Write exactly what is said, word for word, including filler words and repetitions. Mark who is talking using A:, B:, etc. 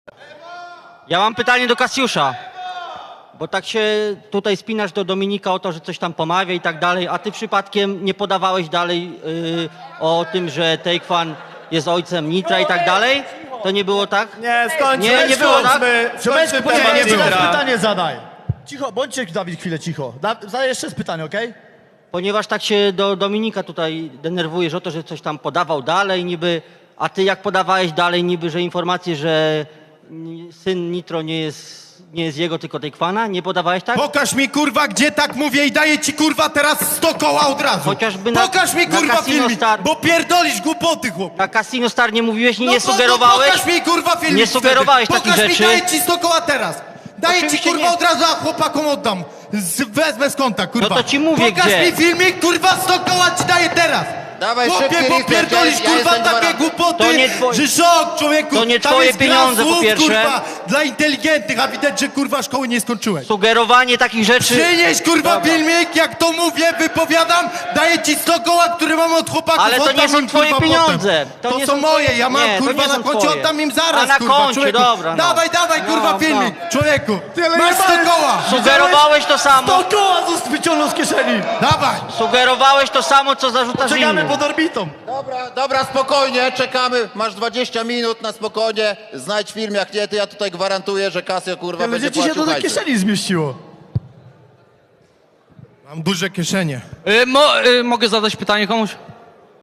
A: Ja mam pytanie do Kasiusza. Bo tak się tutaj spinasz do Dominika o to, że coś tam pomawia i tak dalej, a ty przypadkiem nie podawałeś dalej yy, o tym, że Take-Fan jest ojcem Nitra i tak dalej? To nie było tak?
B: Nie, skończmy,
A: Nie, nie było tak?
B: skończmy, skończmy
C: Poczekaj,
B: temat
C: jeszcze raz
B: Nitra.
C: pytanie zadaj. Cicho, bądźcie Dawid chwilę cicho. Da, zadaj jeszcze raz pytanie, okej?
A: Ponieważ tak się do Dominika tutaj denerwujesz o to, że coś tam podawał dalej niby, a ty jak podawałeś dalej niby, że informacje, że ni- syn Nitro nie jest, nie jest jego, tylko Take-Fana, nie podawałeś tak?
D: Pokaż mi kurwa, gdzie tak mówię i daję ci kurwa teraz sto koła od razu.
A: Chociażby na-
D: Pokaż mi
A: na
D: kurwa
A: Casino
D: filmik,
A: Star.
D: bo pierdolisz głupoty, chłop.
A: Na Casino Star nie mówiłeś, nie,
D: No
A: nie
D: to-
A: sugerowałeś?
D: No pokaż mi kurwa filmik.
A: Nie sugerowałeś
D: wtedy.
A: takich
D: Pokaż
A: rzeczy.
D: mi, daję ci sto koła teraz. Daję ci
A: Oczywiście
D: kurwa
A: nie.
D: od razu, a chłopakom oddam. Z, wezmę z konta, kurwa.
A: No to ci mówię,
D: Pokaż
A: gdzie.
D: mi filmik, kurwa, sto koła ci daję teraz.
E: Dawaj,
D: Chłopie,
E: szybki
D: bo
E: Richter,
D: pierdolisz
E: ja
D: kurwa
E: jestem dwa
D: takie
E: razy.
D: głupoty,
A: To nie twoje-
D: że szok, człowieku.
A: To nie
D: Tam
A: twoje
D: jest gra
A: pieniądze, po
D: słów,
A: pierwsze.
D: kurwa, dla inteligentnych, a widać, że kurwa szkoły nie skończyłeś.
A: Sugerowanie takich rzeczy...
D: Przynieś kurwa
A: Dobra.
D: filmik, jak to mówię, wypowiadam, daję ci sto koła, które mam od chłopaków.
A: Ale to
D: oddam
A: nie są
D: im,
A: twoje
D: kurwa,
A: pieniądze.
D: potem. To,
A: nie
D: są moje, ja mam
A: nie, to
D: kurwa
A: nie
D: na
A: są
D: koncie,
A: twoje.
D: oddam im zaraz,
A: A na
D: kurwa,
A: koncie,
D: człowieku.
A: dobra, no.
D: Dawaj, dawaj, kurwa,
A: No,
D: filmik, człowieku. Masz sto koła.
A: Sugerowałeś to samo.
C: To koła z- wyciągnął z kieszeni.
D: Dawaj.
A: Sugerowałeś to samo, co zarzucasz
C: Czekamy
A: innym.
C: pod orbitą.
E: Dobra, dobra, spokojnie, czekamy. Masz dwadzieścia minut na spokojnie. Znajdź film, jak nie, to ja tutaj gwarantuję, że Casio kurwa będzie
C: Będzie ci się
E: płacił
C: to do
E: hajsy.
C: kieszeni zmieściło.
D: Mam duże kieszenie.
F: Y, mo, y, mogę zadać pytanie komuś?